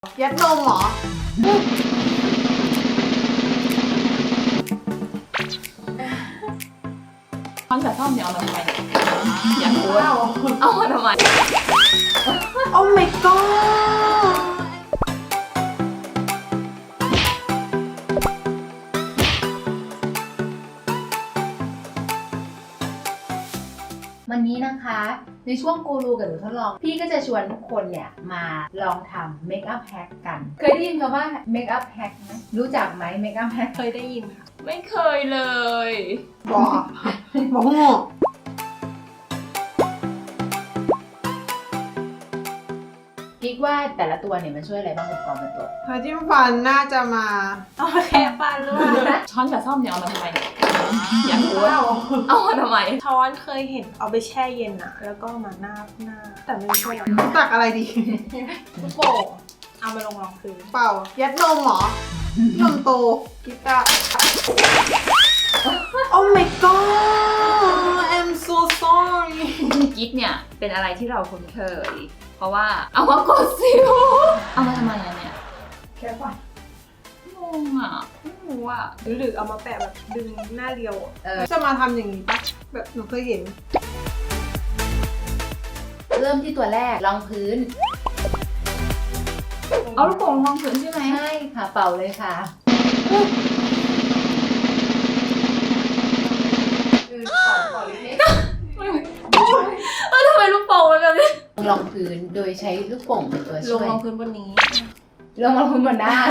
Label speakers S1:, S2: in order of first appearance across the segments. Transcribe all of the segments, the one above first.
S1: ยัดนมเหรอ
S2: ช้อนกับซ่อมเนี่ยเอามาทำไมอยากรู้ว่าเอามาทำไม
S1: โอ้ my god
S3: วันนี้นะคะในช่วงกูรูกับหนูทดลองพี่ก็จะชวนทุกคนเนี่ยมาลองทำเมคอัพแฮกกันเคยได้ยินคำว่าเมคอัพแฮกไหมรู้จักไหมเมคอัพแฮก
S1: เคยได้ยินค่ะ
S2: ไม่เคยเลย
S1: บอกโง่
S3: คิดว่าแต่ละตัวเนี่ยมันช่วยอะไรบ้างอุปกรณ์เป็นตัว
S1: พาจิ้มฟันน่าจะมาเอามาแค่ฟันหรือเปล่า
S2: ช้อนกับซ่อมเนี่ยเอามาทำไมอยากรู้ว่าเอามาทำไม
S4: ช้อนเคยเห็นเอาไปแช่เย็นอะแล้วก็มาหน้าแต่ไม่ใช่หรอก
S1: ตักอะไรดี
S4: ลูกโป่งเอามาลงรองพื้น
S1: เปล่า ยัดนมเหรอ นมโตกิตาโอ้ my god I'm so sorry
S2: กิ๊บเนี่ยเป็นอะไรที่เราคุ้นเคย เพราะว่าเอามากดสิวเอามาทำไมอะเนี่ย
S1: แค่ฟัน
S2: งงอะไม่รู้อะ
S4: หรือเอามาแปะแบบดึงหน้าเรียวอะ
S1: จะมาทำอย่างนี้ปะแบบหนูเคยเห็น
S3: เริ่มที่ตัวแรกรองพื้น
S2: เอาลูกโป่งลองพื้นใช่ไหม
S3: ใช่ค่ะเป่าเลยค่ะ
S2: ทำไมลูกโป่งมันแบบนี้
S3: รองพื้นโดยใช้ลูกโป่งเป็นตัว
S4: ล
S3: ช่
S4: ง
S3: วย
S4: รองพื้นบนนี้
S3: ลงรองพื้นบนหน้า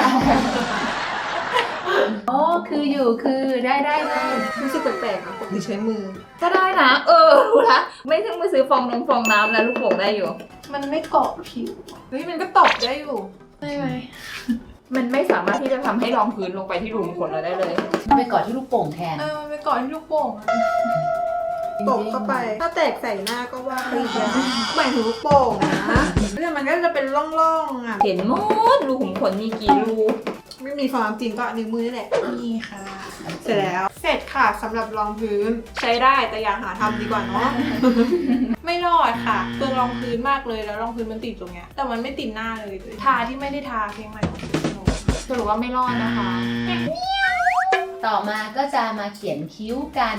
S3: โอ้คืออยู่คือได้
S1: รู้สึกแปลกๆอ่ะปกติใช้มือ
S2: ก็ได้นะรู้ละไม่ต้องไปซื้อฟองน้ำแล้วลูกโป่งได้อยู่
S4: มันไม่เกาะผิว
S1: เฮ้ยมันก็ตบได้อยู่
S4: ได้ไหม
S2: มันไม่สามารถที่จะทำให้รองพื้นลงไปที่รูขุมขนเราได้เลย
S3: ไปกอดที่ลูกโป่งแทน
S4: มันไปเกาะที่ลูกโป่งอะ
S1: ตบเข้าไป ถ้าแตกใส่หน้าก็ว่าไปอีกแล้วหมายถึงลูกโป่งนะเนี่ยมันก็จะเป็นร่องๆอ่ะ
S2: เห็นหมดรูขุมขนมีกี่รู
S1: ไม่มีความจริงก็นิ้วมือนี่แหละ
S4: นี่ค่ะ
S1: เสร็จแล้ว เสร็จค่ะสำหรับรองพื้น ใช้ได้แต่อย่าหาทำดีกว่าเนาะ
S4: ไม่รอดค่ะเปลืองรองพื้นมากเลยแล้วรองพื้นมันติดตรงเนี้ยแต่มันไม่ติดหน้าเลยทาที่ไม่ได้ทาเพียงใหม่
S2: สรุปว่าไม่รอดนะคะ
S3: ต่อมาก็จะมาเขียนคิ้วกัน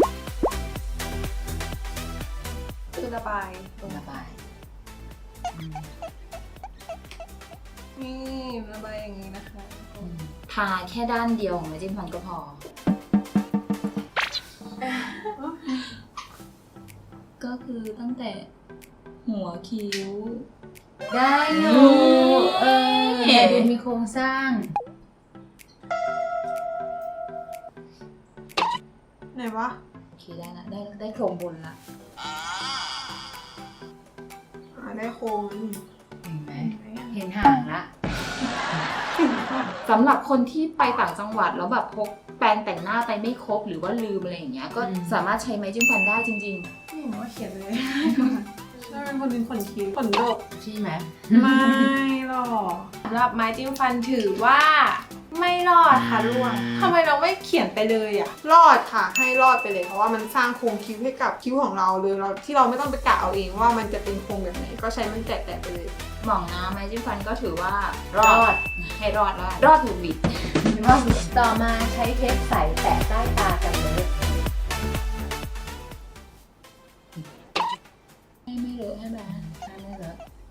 S4: คือระบาย
S3: ระบาย
S4: นี่ระบายอย่างนี้นะคะ
S2: ทาแค่ด้านเดียวของไม้จิ้มฟันก็พอ ก็คือตั้งแต่หัวคิ้ว
S3: ได้อยู่แต่ดูมีโครงสร้าง
S1: ไหนวะ
S2: โอเคได้ละได้โครงบนละ
S1: ได้โค้งนี่
S3: เห็นไหมเห็นห่างละ
S2: สำหรับคนที่ไปต่างจังหวัดแล้วแบบพกแปรงแต่งหน้าไปไม่ครบหรือว่าลืมอะไรอย่างเงี้ยก็สามารถใช้ไม้จิ้มฟันได้จริง
S4: ไม่เห็นว่าเขียนเลย
S1: ใช่เป็นคนเป็นขนคิ้วขนดก
S3: ใช่ไหม
S1: ไม่หรอก
S4: สำหรับไม้จิ้มฟันถือว่า ไม่รอดค่ะล่วงทำไมเราไม่เขียนไปเลยอ่ะ
S1: รอดค่ะ ให้รอดไปเลยเพราะว่ามันสร้างโครงคิ้วให้กับคิ้วของเราเลยเราที่เราไม่ต้องไปกะเอาเองว่ามันจะเป็นโครงแบบไหนก็ใช้มันแตะๆไปเลย
S2: ๆหม่องนะไม้จิ้มฟันก็ถือว่าร
S3: รอด
S2: ให้รอดถูกบิด
S3: ต่อมาใช้เทปใสแตะใต้ตากันเลย
S2: ไม่เลอะใช่ไหม
S3: ไม่เลอะ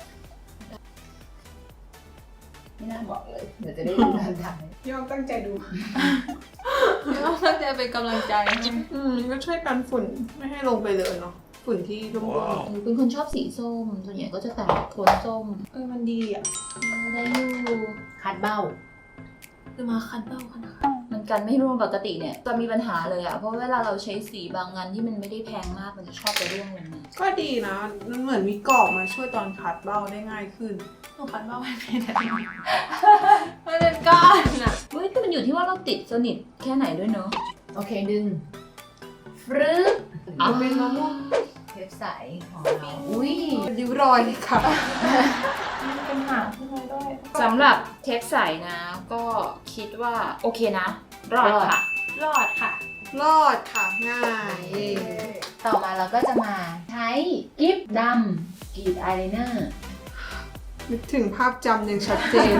S3: ไม่น่าบอกเลย เดี๋ยวจะได้ดูทันทัน
S1: ยอมตั้งใจดู
S4: ตั้งใจเป็นกำลังใจให้
S1: ก็ช่วยกันฝุ่นไม่ให้ลงไปเลยเนาะฝุ่นที่ร่วง
S2: เป็นคนชอบสีส้มส่วนใหญ่ก็จะแต่งโทนส้ม
S4: มันดีอ่ะ
S2: ได้อยู่
S3: คัดเบ้า
S4: คือมาคันเบ้าขนาด
S2: มันกันไม่ร่วงปกติเนี่ยจะมีปัญหาเลยอะเพราะเวลาเราใช้สีบางงานที่มันไม่ได้แพงมากมันจะชอบไปร่วงลงมา
S1: ๆก็ดีนะมันเหมือนมีกรอบมาช่วยตอนคัดเบ้าได้ง่ายขึ้น
S4: หนูคันเบ้าไม่เป็นมันเป็นก้อนอ่ะ
S2: เฮ้ยคือมันอยู่ที่ว่าเราติดสนิทแค่ไหนด้วยเนอะ
S3: โอเคดึงฟรึ๊บ
S1: มันเป็นมะม่วง
S3: เทปใสของเราอุ้ย
S1: ริ้วรอยค่ะ
S4: มันเป็นหางขึ้นมาด้วย
S2: สำหรับเทปใสนะ ก็คิดว่าโอเคนะ รอดค่ะ
S4: รอดค่ะ
S1: รอดค่ะง่าย
S3: ต่อมาเราก็จะมาใช้กิฟต์ดำกรีดอายไลเนอร์
S1: นึกถึงภาพจำอย่างชัดเจน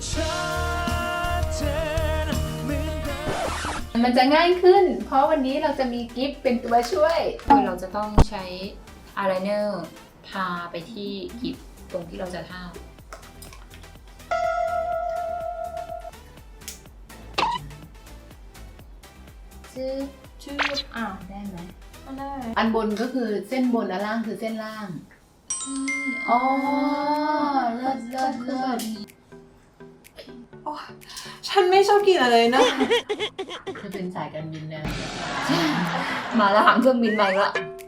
S3: มันจะง่ายขึ้น เพราะวันนี้เราจะมีกิฟต์เป็นตัวช่วย
S2: คือเราจะต้องใช้อายไลเนอร์ทาไปที่กิบตรงที่เราจะทา
S3: ชื่อ ได้ไหม
S4: ไม่ได้
S3: อันบนก็คือเส้นบนอันล่างคือเส้นล่าง อ๋อ เลิศเลิศเลิศ
S1: ฉันไม่ชอบกินอะไรนะ
S3: จะเป็นสายการบินนะ
S2: มาแล้วหางเครื่องบินไปละ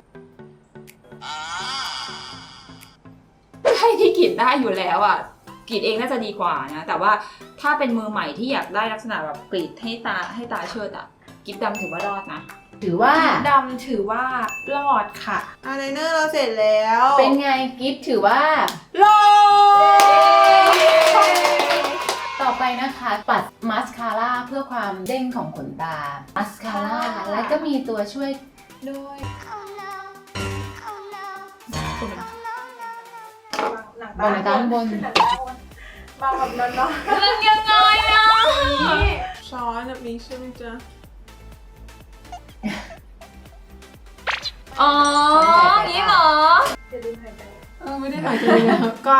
S2: ให้ที่กรีดได้อยู่แล้วอ่ะกรีดเองน่าจะดีกว่านะ แต่ว่าถ้าเป็นมือใหม่ที่อยากได้ลักษณะแบบกรีดให้ตาเชิดอ่ะกรีดดำถือว่ารอดนะ
S3: ถือว่า
S4: ดำถือว่ารอดค่ะ
S1: อายไลเนอร์เราเสร็จแล้ว
S3: เป็นไงกิฟต์ถือว่า
S1: รอด
S3: ต่อไปนะคะปัดมาสคาร่าเพื่อความเด้งของขนตา มาสคาร่า แล้วก็มีตัวช่วย
S4: ด้วย
S3: บนตาบน
S4: มาแบบนอน
S2: มันยังไงอ่ะ
S1: ช้อนแบบนี้ใช่ไหมจ๊ะ
S2: อ๋ออย่างนี้เหรอ
S4: ๆจะลืมหายใจ
S1: ไม่ได้ถ่ายเลยนะก้อน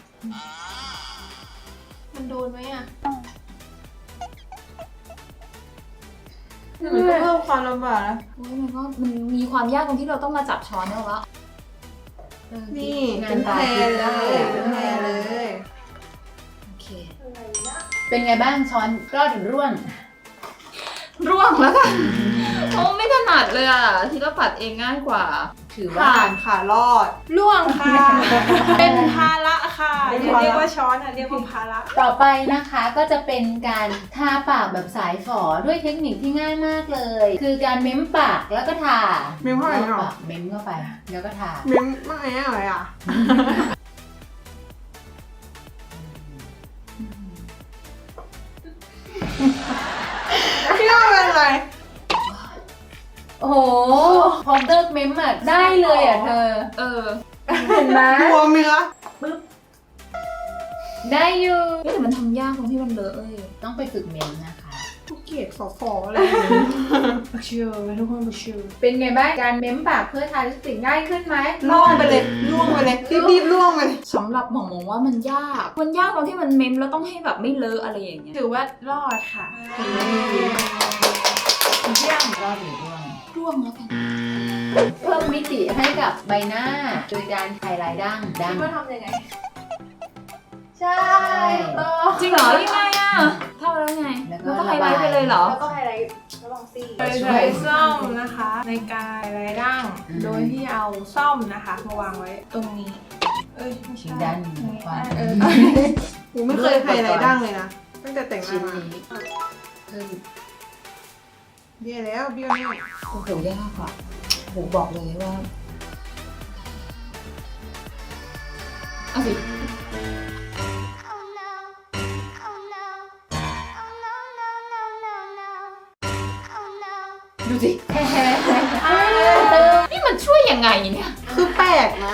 S4: มันโดนไหมอ่ะ
S1: มันก็เพิ่มความลำบากนะ
S2: โอ้ยมันมีความยากตรงที่เราต้องมาจับช้อนแล้วละ
S1: นี่
S3: งา
S1: เป็น น
S3: ตา
S1: แพร
S3: กิน
S1: เล
S3: ได้
S1: ยเป็นแพรเลย
S2: โอเค
S3: เป็นไงบ้างช้อนรอดหรือร่วง
S2: ร่วงแล้วกันโอ้ไม่ถนัดเลยอ่ะที่เราปัดเองง่ายกว่า
S3: ถือว่า
S1: ผ่านค่ะรอด
S4: ล่วงค่ะ เป็นภาระค่ะ
S1: เป็น
S4: อย่า
S1: ภาระ
S4: เรียกว่าช้อนอ่ะเรียกว่าภาระ
S3: ต่อไปนะคะก็จะเป็นการทาปากแบบสายฝอด้วยเทคนิคที่ง่ายมากเลย คือการเม้มปากแล้วก็ทา
S1: เม้มเข้าไปเหรอ
S3: ปากเม้มเข้าไปแล้วก็ทา
S1: เม้มมากไงอะไรอ่ะพี่ว่าเป็นอะไร
S3: โอ้โหพอเลิกเม้มอ่ะได้เลยอ่ะเธอ
S2: เออ
S3: เห็นไหม
S1: บวมไหมคะ
S3: ได้อยู่
S2: เฮ้ยแต่มันทำยากตรงที่มันเลอะเลย
S3: ต้องไปฝึกเม้มนะคะ
S1: ผู้เกียรติสออะไรอย่างเงี้ย
S4: บักเชียวทุกคนบักเชียว
S3: เป็นไงบ้างการเม้มปากเพื่อทาลิปสติกง่ายขึ้นไหม
S1: ล่วงไปเลยล่วงไปเลยรีบๆล่วงไปเลย
S2: สำหรับหมองมองว่ามันยากตรงที่มันเมมแล้วต้องให้แบบไม่เลอะอะไรอย่างเงี้ย
S4: ถือว่ารอดค่ะ
S3: เยี่ยมรอดหรือร่วง
S2: ร่วงแล้วกัน
S3: เพิ่มมิติให้กับใบหน้า โดยการไฮไลท์ดั้ง
S4: ว่าทำยังไง
S3: ใช่
S2: จริงเหรอยังไงอ่ะเท่าแล้วไง
S3: แล้วก็
S2: แล้วก็ไฮไลท์ไปเลยเหรอ
S4: แล้วก็ไฮไลท์แล้วลองซี่โดยใช้ซ่อมนะคะ ในการไฮไลท์ร่าง โดยที่เอาซ่อมนะคะ มาวางไว้ตรงนี้ เอ้ยไม่
S3: ชิ้
S4: ใช่
S3: นด้านขวา
S4: เออ
S1: กูไม่เคยไฮไลท์ดั้งเลยนะตั้งแต่แต่งห
S3: ชิ้
S1: น้าน มา
S3: นี้เพิ่ม
S1: เบี้ยแล้วเบี้ยวแน่
S2: โอ้โหยากอ่ะโหบอกเลยว่าเอาสิ ดูสิ นี่มันช่วยยังไงเนี่ย
S1: คือแปลกนะ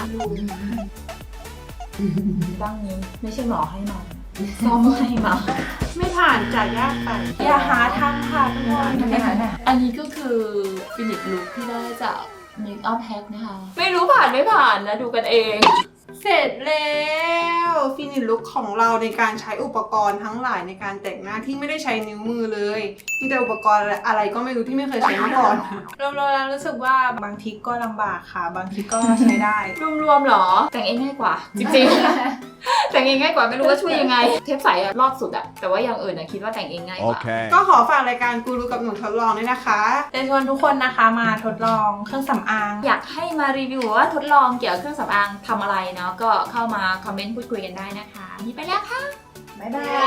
S2: บ้างนี้ไม่ใช่หมอให้มาซ่อมให้มา
S1: ไม่ผ่านจากยากไป
S4: อย่าหาทำค่ะทุกคน
S2: อันนี้ก็คือฟินิชลุคที่ได้จาก Make Up Hack นะคะ ไม่รู้ผ่านไม่ผ่านนะดูกันเอง
S1: เสร็จแล้วฟินิชลุคของเราในการใช้อุปกรณ์ทั้งหลายในการแต่งหน้าที่ไม่ได้ใช้นิ้วมือเลยมีแต่อุปกรณ์อะไรก็ไม่รู้ที่ไม่เคยใช้มาก่อน
S4: รวมๆแล้วรู้สึกว่าบางทีก็ลำบากค่ะ บางทีก็ใช้ได้
S2: รวมๆหรอ แต่งเองง่ายกว่า จริงๆ แต่งเองง่ายกว่าไม่รู้ว่าช่วยยังไง เทปใสอะรอบสุดอะแต่ว่าอย่างอื่นอะคิดว่าแต่งเองง่ายกว่า
S5: Okay.
S1: ก็ขอฝากรายการกูรูกับหนูทดลองด้วยนะคะ
S4: จะชวนทุกคนนะคะมาทดลองเครื่องสำอาง
S2: อยากให้มารีวิวว่าทดลองเกี่ยวกับเครื่องสำอางทำอะไรเนาะก็เข้ามาคอมเมนต์พูดคุยกันได้นะคะนี่ไปแล้วค่ะ
S3: บ๊ายบาย